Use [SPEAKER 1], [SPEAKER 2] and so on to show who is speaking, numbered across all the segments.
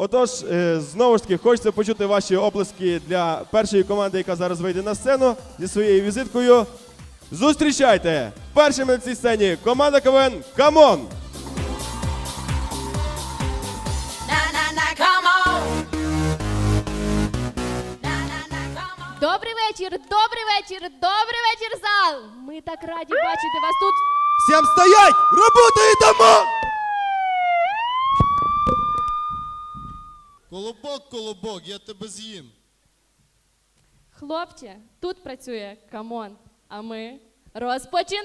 [SPEAKER 1] Отож, знову ж таки, хочеться почути ваші оплески для першої команди, яка зараз вийде на сцену зі своєю візиткою. Зустрічайте! Першими на цій сцені команда КВН «Камон».
[SPEAKER 2] Добрий вечір, добрий вечір, добрий вечір, зал! Ми так раді бачити вас тут.
[SPEAKER 3] Всем стоять! Работает дома!
[SPEAKER 4] Колобок, колобок, я тебе з'їм.
[SPEAKER 2] Хлопче, тут працює камон, а ми розпочинаємо!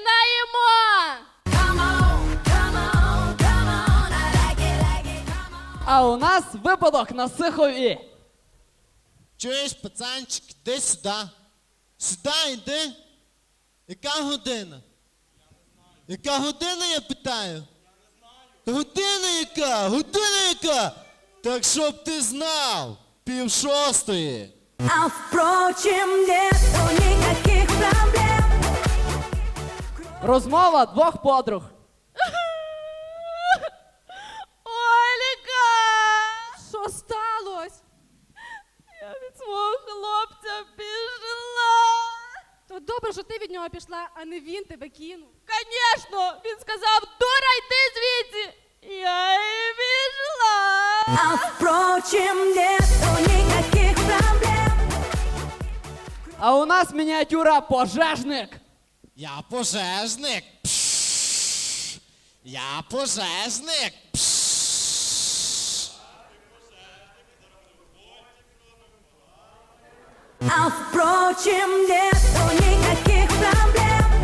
[SPEAKER 5] А у нас випадок на Сихові.
[SPEAKER 4] Чуєш, пацанчик, іди сюди. Сюди йди. Яка година? Яка година, я питаю? Я не знаю. Година яка? Година яка? Так щоб ти знав. 5:30.
[SPEAKER 6] А впрочем, нету никаких проблем.
[SPEAKER 5] Розмова двох подруг.
[SPEAKER 2] Ольга! Що сталося? Я від свого хлопця пішла.
[SPEAKER 7] То добре, що ти від нього пішла, а не він тебе кинув.
[SPEAKER 2] Звісно, він сказав, дура, йди звідси. Я і пішла.
[SPEAKER 6] А впрочем, нету никаких проблем.
[SPEAKER 5] А у нас мініатюра пожежник.
[SPEAKER 4] Я пожежник. Пшш. Я пожежник. Пшш.
[SPEAKER 6] А впрочем, нету никаких проблем.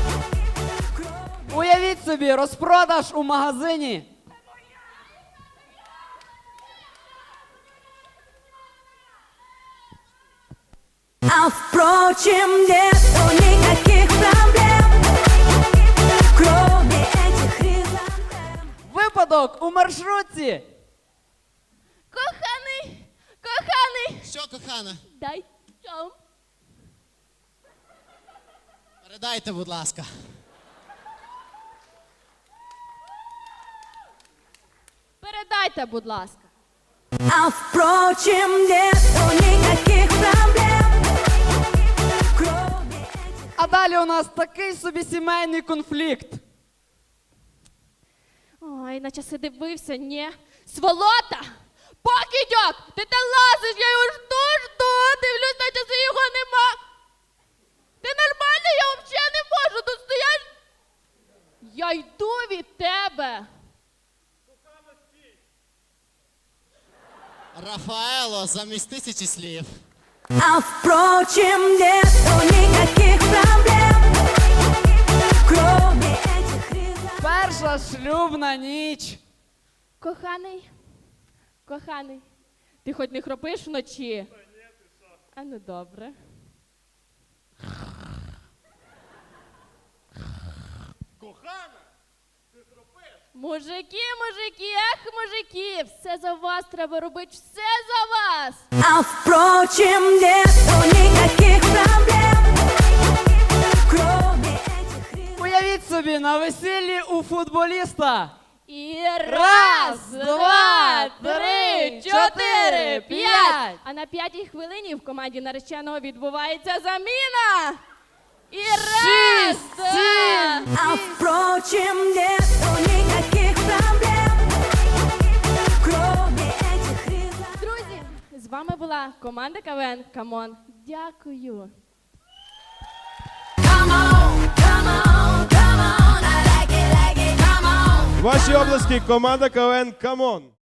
[SPEAKER 5] Уявіть собі, розпродаж у магазині.
[SPEAKER 6] А впрочем, нету никаких проблем. Кроме этих хризантем.
[SPEAKER 5] Випадок у маршрутці.
[SPEAKER 2] Коханий, коханий,
[SPEAKER 4] Що, кохана?
[SPEAKER 2] дай чом.
[SPEAKER 4] Передайте, будь ласка.
[SPEAKER 2] Передайте, будь ласка.
[SPEAKER 6] А впрочем, нету никаких проблем. Кроме этих...
[SPEAKER 5] А далі у нас такий собі сімейний конфлікт.
[SPEAKER 2] Ой, наче си дивився, ні. Сволота! Покидьок! Ти те лазиш, я його жду, дивлюсь, наче си його нема. Ти нормально, я взагалі не можу, тут стоять. Я йду від тебе.
[SPEAKER 4] Рафаело, замість 1000 слів.
[SPEAKER 6] А впрочем, нету никаких проблем. Кроме этих хризантем.
[SPEAKER 5] Перша шлюбна ніч.
[SPEAKER 2] Коханий, коханий, ти хоч не хропиш вночі? А ну добре. Мужики, мужики, ех, мужики, все за вас треба робити, все за вас.
[SPEAKER 6] А впрочем, нету никаких проблем. Кроме этих хризантем.
[SPEAKER 5] Уявіть собі, на весіллі у футболіста.
[SPEAKER 2] І раз, два, три, чотири, п'ять. А на 5-й хвилині в команді нареченого відбувається заміна. І раз, два.
[SPEAKER 6] А впрочем, нету никаких проблем. Кроме этих хризантем.
[SPEAKER 2] Друзі, з вами була команда КВН «Камон». Дякую.
[SPEAKER 1] Ваші оплески команда КВН «Камон».